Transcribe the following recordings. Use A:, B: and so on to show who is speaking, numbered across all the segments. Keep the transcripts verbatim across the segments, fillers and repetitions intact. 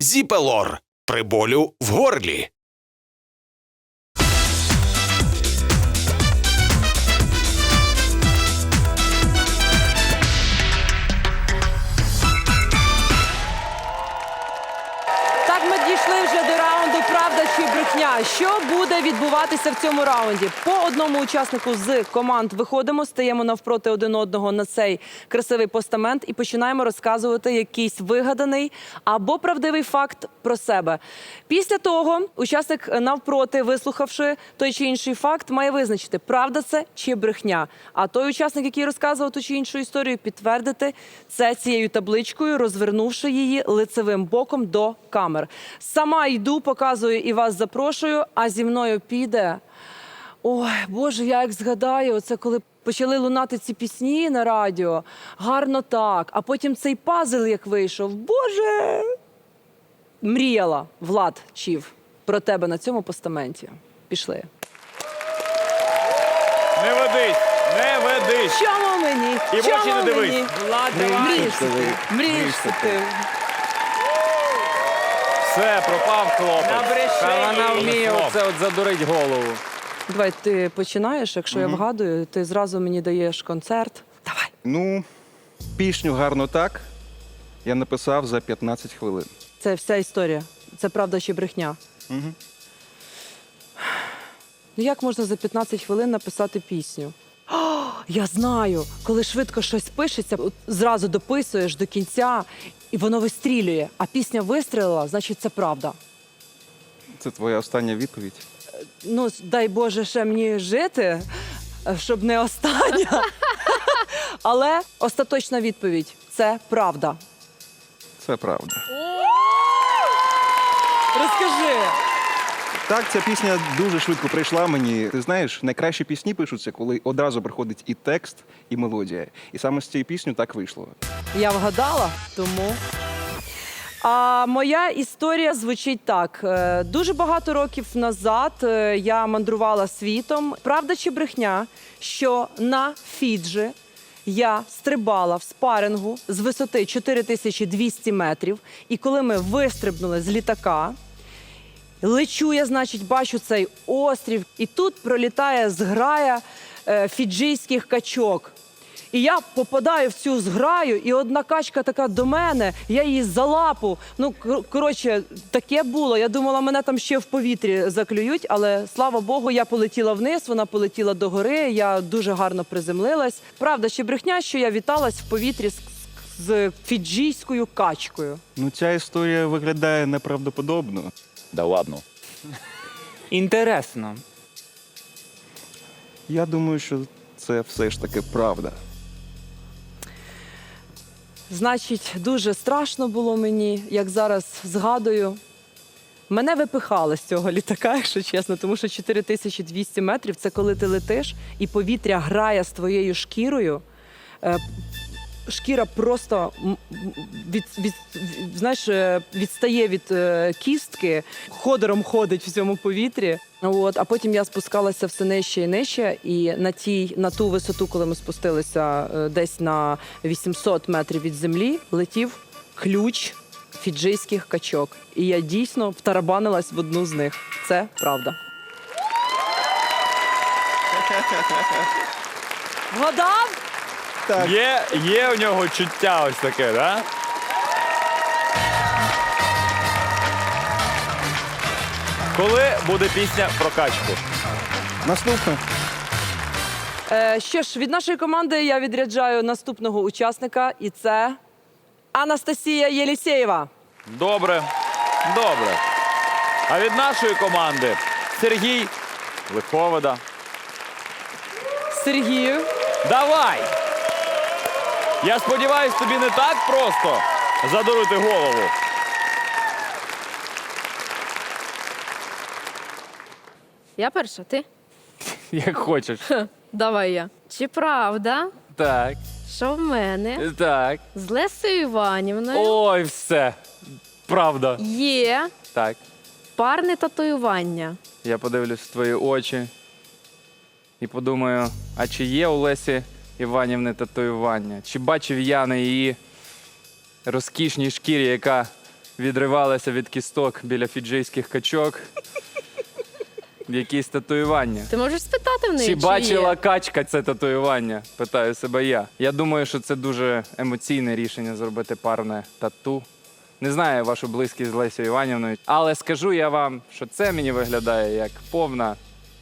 A: Зіпелор при болю в горлі.
B: Так, ми дійшли вже до раунду «Правда чи брехня». Що буде відбуватися в цьому раунді? По одному учаснику з команд виходимо, стаємо навпроти один одного на цей красивий постамент і починаємо розказувати якийсь вигаданий або правдивий факт про себе. Після того учасник навпроти, вислухавши той чи інший факт, має визначити, правда це чи брехня. А той учасник, який розказував ту чи іншу історію, підтвердити це цією табличкою, розвернувши її лицевим боком до камер. Сама йду, показую і вас запрошую, а зі мною піде... Ой, Боже, я як згадаю, це коли почали лунати ці пісні на радіо, гарно так, а потім цей пазл як вийшов. Боже! Мріяла, Влад Чів, про тебе на цьому постаменті. Пішли.
C: Не ведись, не ведись.
B: Чому мені?
C: І в
B: Чому
C: очі не дивись.
B: мені?
C: Влад,
B: Мрієш ти, мрієш ти.
C: Все, пропав хлопець.
D: Та вона вміє оце от задурить голову.
B: Давай, ти починаєш, якщо я вгадую, ти зразу мені даєш концерт. Давай.
E: Ну, пісню «Гарно так» я написав за п'ятнадцять хвилин.
B: Це вся історія. Це правда чи брехня?
E: Угу.
B: Ну як можна за п'ятнадцять хвилин написати пісню? О, я знаю, коли швидко щось пишеться, от зразу дописуєш до кінця, і воно вистрілює. А пісня вистрілила, значить це правда.
E: Це твоя остання відповідь?
B: Ну, дай Боже ще мені жити, щоб не остання. Але остаточна відповідь – це правда.
E: Це правда.
B: Розкажи.
E: Так, ця пісня дуже швидко прийшла мені. Ти знаєш, найкращі пісні пишуться, коли одразу приходить і текст, і мелодія. І саме з цією піснею так вийшло.
B: Я вгадала, тому... А моя історія звучить так. Е, Дуже багато років назад е, я мандрувала світом. Правда чи брехня, що на Фіджі я стрибала в спарингу з висоти чотири тисячі двісті метрів. І коли ми вистрибнули з літака, лечу я, значить, бачу цей острів. І тут пролітає зграя е, фіджійських качок. І я попадаю в цю зграю, і одна качка така до мене, я її за лапу. Ну, кор- коротше, таке було. Я думала, мене там ще в повітрі заклюють, але, слава Богу, я полетіла вниз, вона полетіла догори, я дуже гарно приземлилась. Правда чи брехня, що я віталась в повітрі з, з фіджійською качкою?
E: Ну, ця історія виглядає неправдоподобно.
C: Да ладно.
D: Інтересно.
E: Я думаю, що це все ж таки правда.
B: Значить, дуже страшно було мені, як зараз згадую. Мене випихали з цього літака, якщо чесно, тому що чотири тисячі двісті метрів – це коли ти летиш, і повітря грає з твоєю шкірою. Е, Шкіра просто м- м- від, від, від, знаєш, е, відстає від е, кістки, ходором ходить в цьому повітрі. От, а потім я спускалася все нижче і нижче, і на, тій, на ту висоту, коли ми спустилися е, десь на вісімсот метрів від землі, летів ключ фіджийських качок. І я дійсно втарабанилась в одну з них. Це правда. Вгадав?
E: Так.
C: Є, є у нього чуття ось таке, да? Коли буде пісня про качку?
E: Наступне.
B: Е, що ж, від нашої команди я відряджаю наступного учасника, і це Анастасія Єлісєєва.
C: Добре, добре. А від нашої команди Сергій Лиховода.
B: Сергію.
C: Давай! Я сподіваюсь, тобі не так просто задурити голову.
F: Я перша, ти?
D: Як хочеш.
F: Давай я. Чи правда,
D: Так,
F: що в мене
D: так.
F: з Лесею Іванівною
D: Ой, все. Правда.
F: є
D: Так.
F: парне татуювання?
D: Я подивлюсь в твої очі і подумаю, а чи є у Лесі Іванівни татуювання? Чи бачив я на її розкішній шкірі, яка відривалися від кісток біля фіджийських качок. Якісь татуювання.
F: Ти можеш спитати в неї,
D: Чи
F: чи
D: бачила
F: є?
D: качка це татуювання? Питаю себе я. Я думаю, що це дуже емоційне рішення зробити парне тату. Не знаю вашу близькість з Лесією Іванівною, але скажу я вам, що це мені виглядає як повна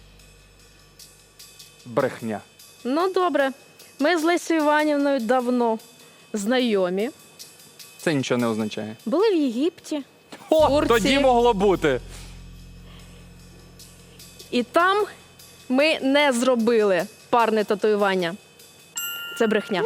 D: брехня.
F: Ну, добре. Ми з Лесією Іванівною давно знайомі.
D: Це нічого не означає.
F: Були в Єгипті,
D: О,
F: Турції.
D: тоді могло бути.
F: І там ми не зробили парне татуювання. Це брехня.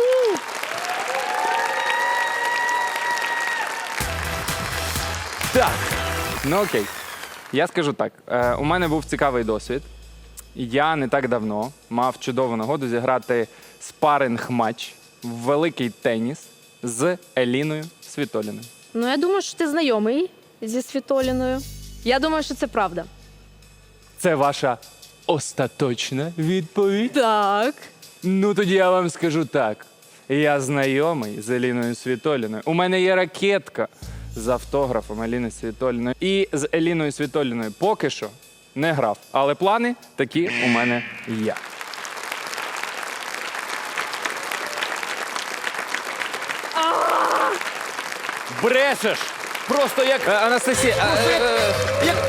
D: Так. Ну окей. Я скажу так. Е, у мене був цікавий досвід. Я не так давно мав чудову нагоду зіграти спаринг-матч в великий теніс з Еліною Світоліною.
F: Ну, я думаю, що ти знайомий зі Світоліною. Я думаю, що це правда.
D: Це ваша остаточна відповідь?
F: Так.
D: Ну тоді я вам скажу так. Я знайомий з Еліною Світоліною. У мене є ракетка з автографом Еліни Світоліної. І з Еліною Світоліною поки що не грав. Але плани такі у мене є.
C: Брешеш! Просто як...
D: Е, Анастасія, е, е, е, як...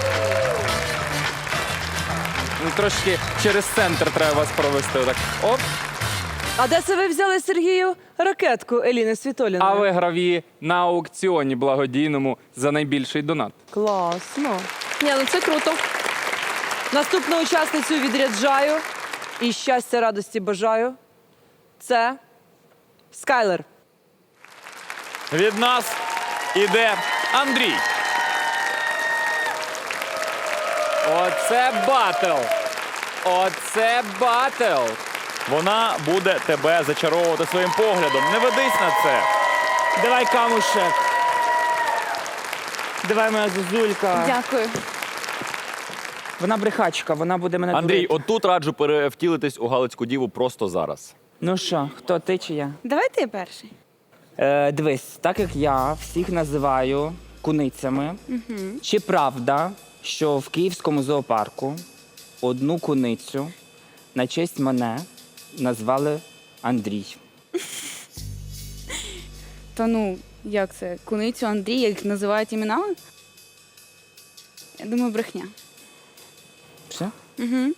D: Ну, трошки через центр треба вас провести. Отак. Оп.
B: А де це ви взяли, Сергію, ракетку Еліни Світоліної?
D: А виграв її на аукціоні благодійному за найбільший донат.
B: Класно.
F: Ні, ну це круто.
B: Наступну учасницю відряджаю і щастя, радості бажаю. Це Скайлер.
C: Від нас іде Андрій.
D: Оце батл! Оце батл!
C: Вона буде тебе зачаровувати своїм поглядом. Не ведись на це.
G: Давай камушек. Давай, моя зозулька.
H: Дякую.
G: Вона брехачка, вона буде мене
C: Андрій,
G: дурити.
C: отут раджу перевтілитись у Галицьку діву просто зараз.
G: Ну що, хто ти чи я?
H: Давай ти перший.
G: Е, дивись, так як я всіх називаю куницями, чи правда, що в Київському зоопарку одну куницю на честь мене назвали Андрій?
H: То ну, як це? Куницю Андрій, як називають іменами? Я думаю, брехня.
G: Все? Угу.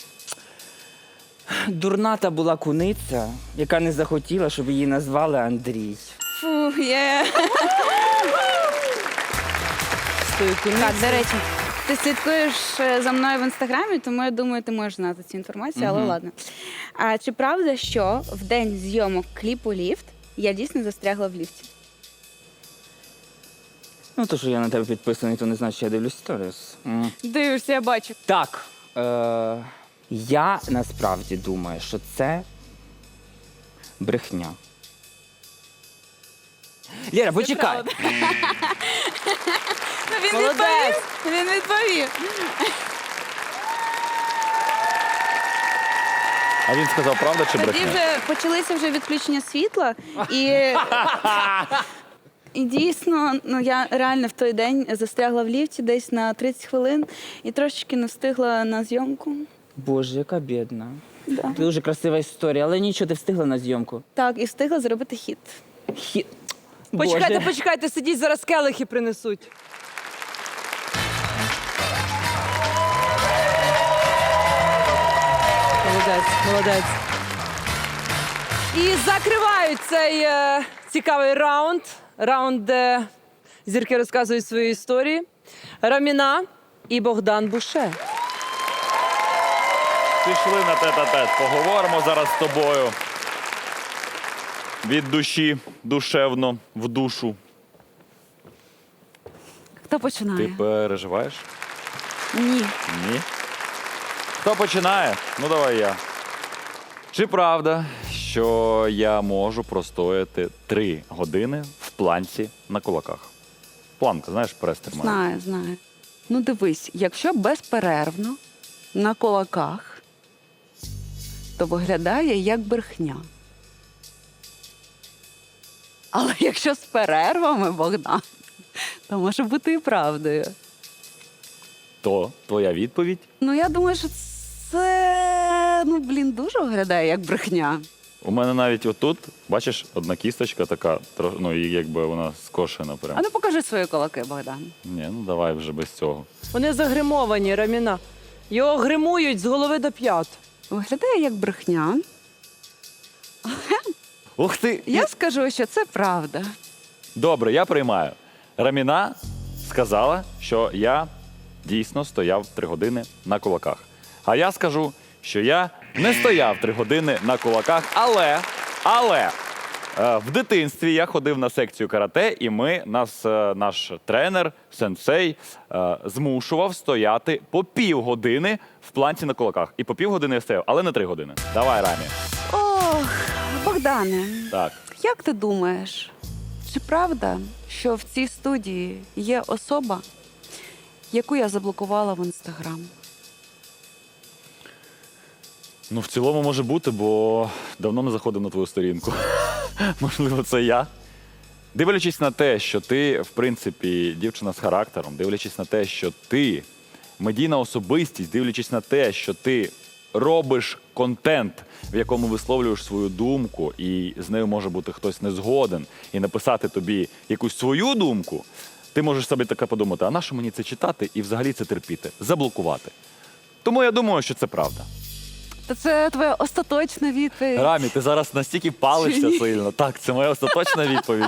G: Дурната була куниця, яка не захотіла, щоб її назвали Андрій.
H: Фу, є.
B: Стою
H: Так, до речі, ти слідкуєш е, за мною в інстаграмі, тому я думаю, ти можеш знати цю інформацію, але ладно. А чи правда, що в день зйомок кліпу «Ліфт» я дійсно застрягла в ліфті?
G: Ну, то, що я на тебе підписаний, то не значить, що я дивлюсь сторіс. М.
H: Дивишся, я бачу.
G: Так. Е- я насправді думаю, що це брехня. Лєра, почекай.
H: Ну, він
B: Молодець.
H: відповів. Він відповів.
C: А він сказав, правда чи
H: Тоді
C: брехня?
H: вже почалися вже відключення світла, і, і дійсно, ну я реально в той день застрягла в ліфті десь на тридцять хвилин і трошечки не встигла на зйомку.
G: Боже, яка бідна.
H: Да.
G: Дуже красива історія, але нічого, ти встигла на зйомку.
H: Так, і встигла зробити хіт.
G: Хі...
B: Почекайте,
G: Боже.
B: почекайте, сидіть, зараз келихи принесуть. Молодець, молодець. І закривають цей е, цікавий раунд. Раунд, де зірки розказують свої історії. Раміна і Богдан Буше.
C: Пішли на тет-а-тет. Поговоримо зараз з тобою. Від душі, душевно, в душу.
H: Хто починає?
C: Ти переживаєш?
H: Ні.
C: Ні. Хто починає? Ну, давай я. Чи правда, що я можу простояти три години в планці на кулаках? Планка, знаєш, прес тримає.
I: Знаю, знаю. Ну дивись, якщо безперервно на кулаках, то виглядає як брехня. Але якщо з перервами, Богдан, то може бути і правдою.
C: То твоя відповідь?
I: Ну, я думаю, що це, ну, блін, дуже виглядає як брехня.
C: У мене навіть отут, бачиш, одна кісточка така, тро- ну і якби вона скошена прям.
I: А ну покажи свої кулаки, Богдан.
C: Ні, ну давай вже без цього.
B: Вони загримовані, Раміна. Його гримують з голови до п'ят.
I: Виглядає як брехня.
C: Ух ти!
I: Я скажу, що це правда.
C: Добре, я приймаю. Раміна сказала, що я дійсно стояв три години на кулаках. А я скажу, що я не стояв три години на кулаках, але, але е, в дитинстві я ходив на секцію карате, і ми, нас, е, наш тренер, сенсей, е, змушував стояти по півгодини в планці на кулаках. І по півгодини я стояв, але не три години. Давай, Рамі.
I: Ох, Богдане,
C: Так.
I: як ти думаєш, чи правда, що в цій студії є особа, яку я заблокувала в інстаграм?
C: Ну, в цілому може бути, бо давно не заходив на твою сторінку. Можливо, це я. Дивлячись на те, що ти, в принципі, дівчина з характером, дивлячись на те, що ти медійна особистість, дивлячись на те, що ти робиш контент, в якому висловлюєш свою думку, і з нею може бути хтось не згоден, і написати тобі якусь свою думку, ти можеш собі таке подумати, а нащо мені це читати і взагалі це терпіти, заблокувати. Тому я думаю, що це правда.
I: Та це твоя остаточна відповідь.
C: Рамі, ти зараз настільки палишся сильно. Так, це моя остаточна відповідь.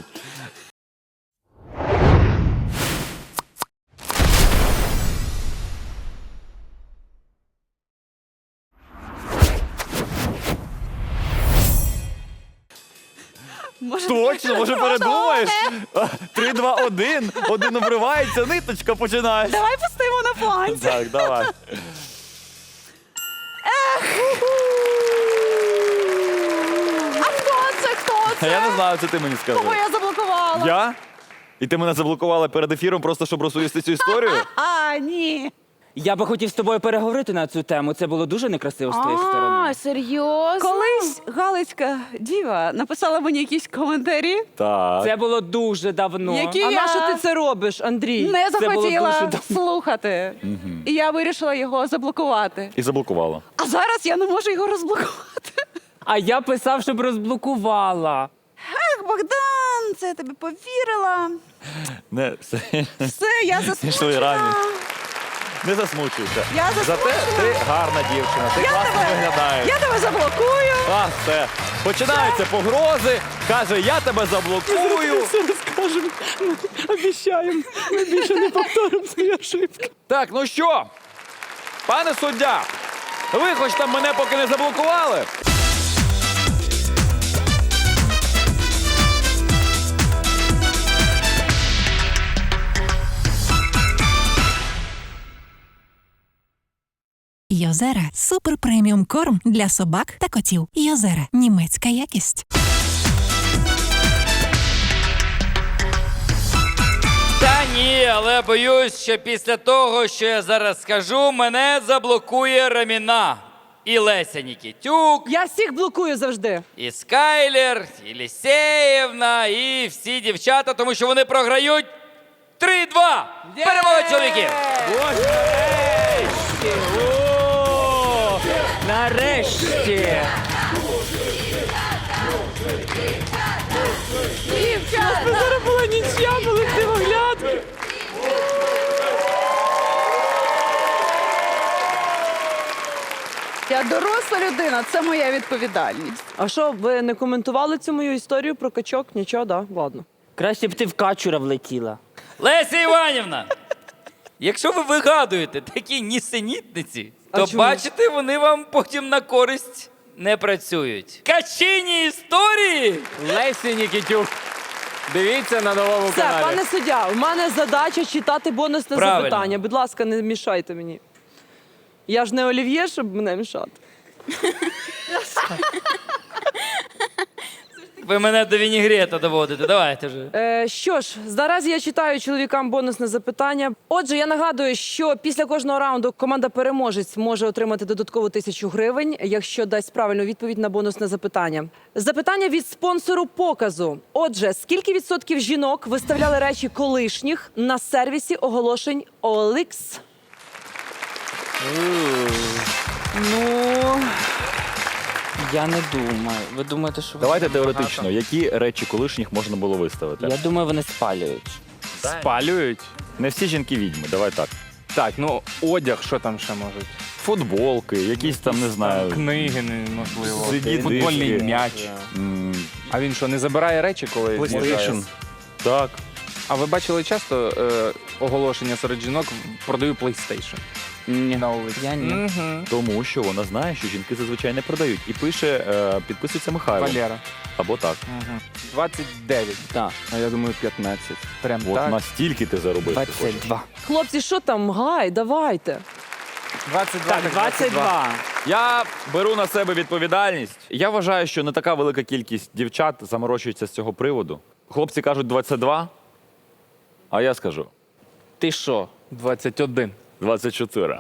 I: Може,
C: Точно, може передумаєш? А, Три, два, один. Один обривається, ниточка починає.
I: давай пустимо на планці.
C: Так, давай.
I: А хто це? Хто
C: А
I: це?
C: я не знаю, це ти мені скажи.
I: Кого я заблокувала?
C: Я? І ти мене заблокувала перед ефіром просто, щоб розповісти цю історію?
I: А, ні.
G: Я би хотів з тобою переговорити на цю тему. Це було дуже некрасиво з твоєї сторони.
H: А, серйозно?
I: Колись Галицька діва написала мені якісь коментарі.
C: Так.
G: Це було дуже давно.
I: Які
B: А
I: я
B: на що ти це робиш, Андрій?
I: не
G: Це було
I: захотіла
G: дуже давно.
I: слухати. І я вирішила його заблокувати.
C: І заблокувала.
I: А зараз я не можу його розблокувати.
G: А я писав, щоб розблокувала.
I: Ех, Богдан, це я тобі повірила.
C: Не, все.
I: Все, я
C: Пішли рані.
I: засмучена.
C: Не засмучуйся.
I: Я
C: Зате
I: засмучена.
C: ти гарна дівчина, ти класно
I: тебе-
C: виглядаєш.
I: Я тебе заблокую.
C: А, все. Починаються погрози. Каже, я тебе заблокую.
B: Розкажемо, обіцяємо. Ми більше не повторимо свої ошибки.
C: Так, ну що, пане суддя, ви хоч там мене поки не заблокували?
J: Йозера – супер преміум корм для собак та котів. Йозера – німецька якість.
K: Та ні, але боюсь, що після того, що я зараз скажу, мене заблокує Раміна. І Леся Нікітюк,
B: Я всіх блокую завжди.
K: і Скайлер, і Лісєєвна, і всі дівчата, тому що вони програють три-два. Перемога чоловіків!
G: О, нарешті!
B: Зараз була нічия, були дивоглядки.
I: Я доросла людина, це моя відповідальність.
B: А що, ви не коментували цю мою історію про качок? Нічого, да? Ладно.
G: Краще б ти в качура влетіла.
K: Леся Іванівна, якщо ви вигадуєте такі нісенітниці,
B: А
K: то
B: чому?
K: бачите, вони вам потім на користь не працюють. Качині історії!
D: Лесі Нікітюк. Дивіться на новому
B: Все,
D: каналі.
B: пане суддя, у мене задача читати бонусне
K: Правильно.
B: запитання. Будь ласка, не мішайте мені. Я ж не Олів'є, щоб мене мішати.
K: Ви мене до вінігрета доводите. Давайте вже.
B: Е, що ж, наразі я читаю чоловікам бонусне запитання. Отже, я нагадую, що після кожного раунду команда переможець може отримати додаткову тисячу гривень, якщо дасть правильну відповідь на бонусне запитання. Запитання від спонсору показу. Отже, скільки відсотків жінок виставляли речі колишніх на сервісі оголошень о ел ікс?
G: Ну, я не думаю. Ви думаєте, що
C: Давайте
G: вони
C: теоретично, які речі колишніх можна було виставити?
G: багато? Я думаю, вони спалюють.
D: Спалюють?
C: Не всі жінки відьми, давай так.
D: Так, ну одяг, що там ще можуть?
C: Футболки, якісь там, не знаю.
D: Книги, не- можливо.
C: Сиді
D: Футбольний
C: диски.
D: м'яч.
C: м,
D: А він що, не забирає речі, коли
E: PlayStation.
D: може?
C: Так.
D: А ви бачили часто е, оголошення серед жінок «продаю PlayStation»
G: Ні,
D: на вулиці?
G: я ні.
D: Мгм.
C: Тому що вона знає, що жінки зазвичай не продають. І пише, е, підписується Михайло.
D: Валера.
C: Або так.
D: Мгм. двадцять дев'ять.
G: Так,
E: А я думаю, п'ятнадцять.
D: Прям
C: От
D: так.
C: настільки ти заробив. ти хочеш.
G: двадцять два.
B: Хлопці, що там? Гай, давайте.
D: двадцять два.
G: Так, двадцять два.
C: Я беру на себе відповідальність. Я вважаю, що не така велика кількість дівчат заморочується з цього приводу. Хлопці кажуть двадцять два, а я скажу
G: Ти що?
D: двадцять один.
C: двадцять чотири.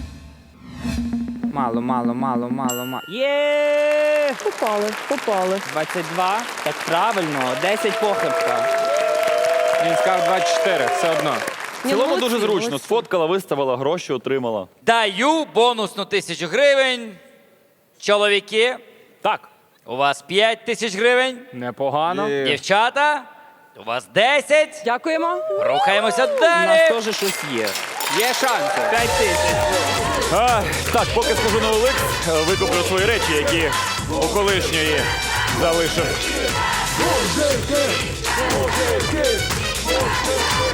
G: Мало, мало, мало, мало, мало. Є!
B: Попали, попали.
G: двадцять два. Так правильно, десять похибка.
D: Він сказав двадцять чотири, все одно.
C: В цілому
B: молодці,
C: дуже зручно.
B: молодці.
C: Сфоткала, виставила, гроші отримала.
K: Даю бонусну тисячу гривень. Чоловіки,
C: Так.
K: у вас п'ять тисяч гривень.
D: Непогано.
K: Дівчата, у вас десять.
B: Дякуємо.
K: Рухаємося
G: У нас
K: далі.
G: теж щось є.
D: Є шанси.
G: П'ять тисяч.
C: А, так, поки схожу на Олекс, викуплю свої речі, які у колишньої залишив.